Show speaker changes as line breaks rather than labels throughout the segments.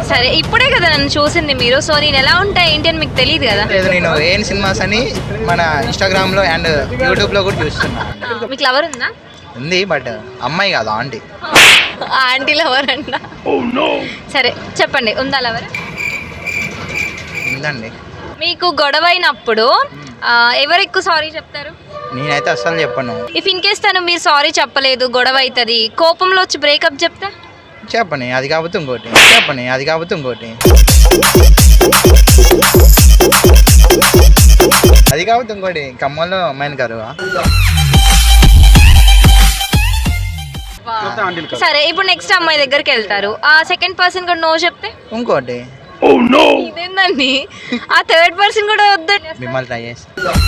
సరే ఇప్పుడే కదా నన్ను చూసింది మీరు, సో నేను ఎలా ఉంటా ఏంటి అని మీకు తెలియదు కదా.
లేదు, నేను ఏఎన్ సినిమాస్ అని మన ఇన్స్టాగ్రామ్ లో అండ్ యూట్యూబ్ లో కూడా చూస్తున్నా.
మీకు లవర్ ఉందా?
ఉంది, బట్ అమ్మాయి కాదు, ఆంటీ.
ఆంటీ లవర్ అంట. సరే చెప్పండి, ఉందా లవర్?
ఉందండి.
మీకు గొడవ అయినప్పుడు ఎవరు ఎక్కువ సారీ చెప్తారు?
నేనైతే అస్సలు చెప్పను.
ఇఫ్ ఇన్ కేస్ తను మీరు సారీ చెప్పలేదు, గొడవ అవుతుంది, కోపంలో వచ్చి బ్రేకప్ చెప్తే?
చెప్పని, అది కాకపోతే ఇంకోటి. చెప్పని, అది కాకపోతే ఇంకోటి. అది కాకపోతే ఇంకోటి. ఖమ్మంలో అమ్మాయిని కరువా.
సరే ఇప్పుడు నెక్స్ట్ అమ్మాయి దగ్గరికి వెళ్తారు, ఆ సెకండ్ పర్సన్ కూడా నో చెప్తే?
ఇంకోటి.
ఇదేందండి, ఆ థర్డ్ పర్సన్ కూడా వద్దండి.
మిమ్మల్ని ట్రై చేస్తా.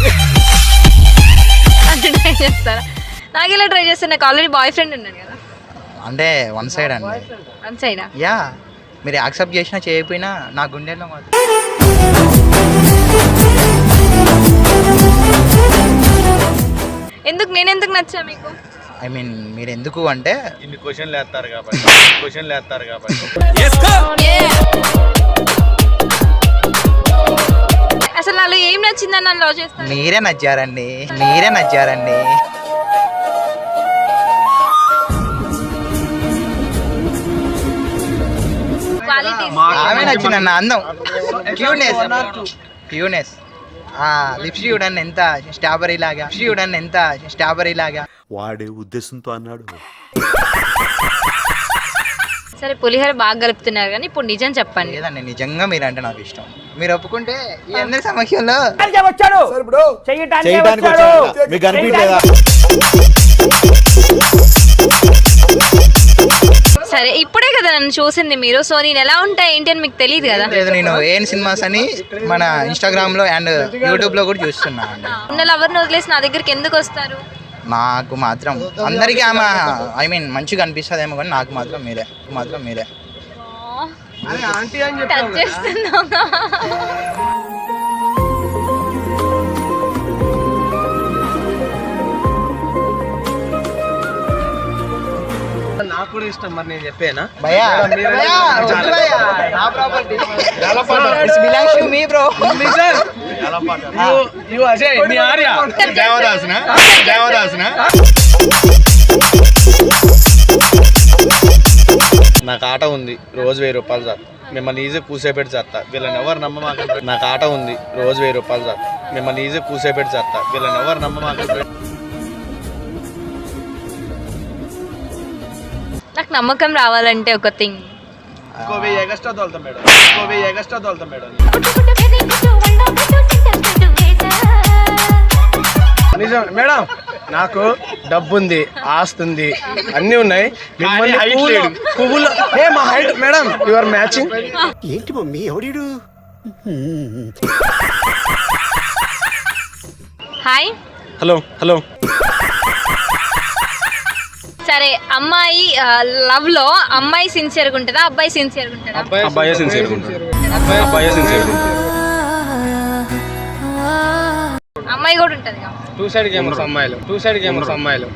ట్రై చేస్తారా? నాకు ఇలా ట్రై చేస్తాను, నాకు ఆల్రెడీ బాయ్ ఫ్రెండ్ ఉన్నాడు కదా.
అంటే వన్ సైడ్ అండి.
వన్ సైడా?
యా, మీరు యాక్సెప్ట్ చేసినా చేయకపోయినా నా గుండెల్లో మాత్రం.
ఎందుకు, నేను ఎందుకు నచ్చా మీకు?
ఐ మీన్ మీరు ఎందుకు అంటే
ఇన్ని క్వశ్చన్లు వేస్తారు కాబట్టి.
అసలు నాలో ఏం నచ్చిందని నన్ను లవ్ చేస్తాను?
మీరే నచ్చారండి, మీరే నచ్చారండి. ఆమె నచ్చిందన్న, అందం, క్యూనెస్. లిప్స్టిక్ చూడండి ఎంత స్ట్రాబెరీ లాగా.
వాడే ఉద్దేశంతో అన్నాడు.
సరే పులిహోర బాగా కలుపుతున్నారు కానీ ఇప్పుడు నిజం చెప్పండి.
లేదండి, నిజంగా మీరంటే నాకు ఇష్టం. మీరు ఒప్పుకుంటే ఈ అందరి సమక్షంలో
మీకు అనిపించలేదా?
సరే ఇప్పుడే కదా నన్ను చూసింది మీరు, సో నేను ఎలా ఉంటా ఏంటి అని మీకు తెలియదు కదా.
లేదు, నేను ఏఎన్ సినిమాస్ అని మన ఇన్స్టాగ్రామ్ లో అండ్ యూట్యూబ్ లో కూడా చూస్తున్నా.
ఉన్న లవర్ని వదిలేసి నా దగ్గరికి ఎందుకు వస్తారు?
నాకు మాత్రం అందరికీ ఆమె ఐ మీన్ మంచిగా అనిపిస్తుందేమో, కానీ నాకు మాత్రం మీరే.
టచ్ చేస్తున్నావా?
నాకు కూడా ఇష్టం, మరి నేను చెప్పేనా?
భయ్యా, నా property it's belongs to me bro.
Ajay మీ ఆర్య దేవదాసునా? నాకు ఆట ఉంది, రోజు 1000 రూపాయలు సార్. మిమ్మల్ని ఈజీ కూసేపెట్టి చేస్తా, వీళ్ళని ఎవరు నమ్మమాకండి. నాకు ఆట ఉంది, రోజు 1000 రూపాయలు సార్. మిమ్మల్ని ఈజీ కూసేపెట్టి చేస్తా, వీళ్ళని ఎవరు నమ్మమాకండి.
నాకు నమ్మకం రావాలంటే ఒక థింగ్,
ఇంకో 1000 ఎగస్ట్రా తోలుతాం మేడం. నిజం మేడం, నాకు డబ్బు ఉంది, ఆస్తుంది, అన్నీ ఉన్నాయి. మిమ్మల్ని పువ్వులు మా హైట్ మేడం, యువర్ మ్యాచింగ్.
ఏంటి మమ్మీ ఎవడీడు?
హాయ్
హలో
సరే అమ్మాయి లవ్ లో అమ్మాయి సిన్సియర్గా ఉంటుందా, అబ్బాయి సిన్సియర్గా ఉంటుందా?
అబ్బాయి సిన్సియర్
అమ్మాయి కూడా ఉంటుంది కదా.
టూ సైడ్ గేమర్స్ అమ్మాయిలు.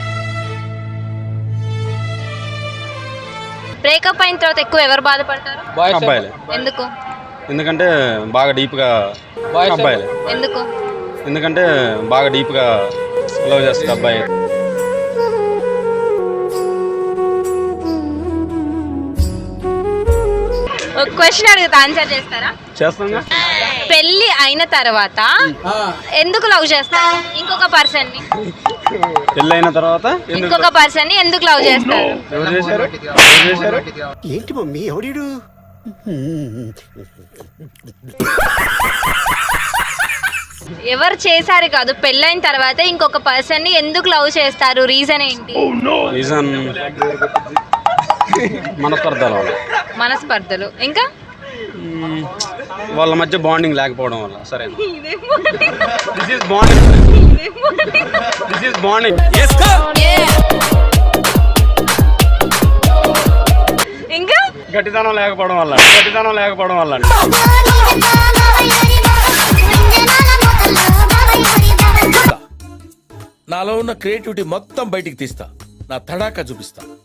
బ్రేకప్ అయిన తర్వాత ఎక్కువ ఎవరు బాధపడతారు?
అబ్బాయిలే.
ఎందుకు?
ఎందుకంటే బాగా డీప్ గా అబ్బాయిలే. ఎందుకంటే బాగా డీప్ గా లవ్ చేస్తుంది అబ్బాయి.
ఒక క్వశ్చన్ అడుగుతా, ఆన్సర్ చేస్తారా?
చేస్తాంగా.
పెళ్లి అయిన తర్వాత ఎందుకు లవ్ చేస్తారు ఇంకొక పర్సన్ ని?
పెళ్ళి అయిన తర్వాత
ఇంకొక పర్సన్ ని ఎందుకు లవ్ చేస్తారు?
ఎవరు చేశారు?
ఏంటి మమ్మీ ఎవడీడు?
ఎవరు చేశారు కాదు, పెళ్ళైన తర్వాత ఇంకొక పర్సన్ ని ఎందుకు లవ్ చేస్తారు? రీజన్ ఏంటి?
రీజన్
మనస్పర్ధలు, ఇంకా
వాళ్ళ మధ్య బాండింగ్ లేకపోవడం వల్ల. సరే, దిస్ ఇస్ బాండింగ్.
ఇంకా
గట్టితనం లేకపోవడం వల్ల.
నాలో ఉన్న క్రియేటివిటీ మొత్తం బయటికి తీస్తా, నా తడాకా చూపిస్తా.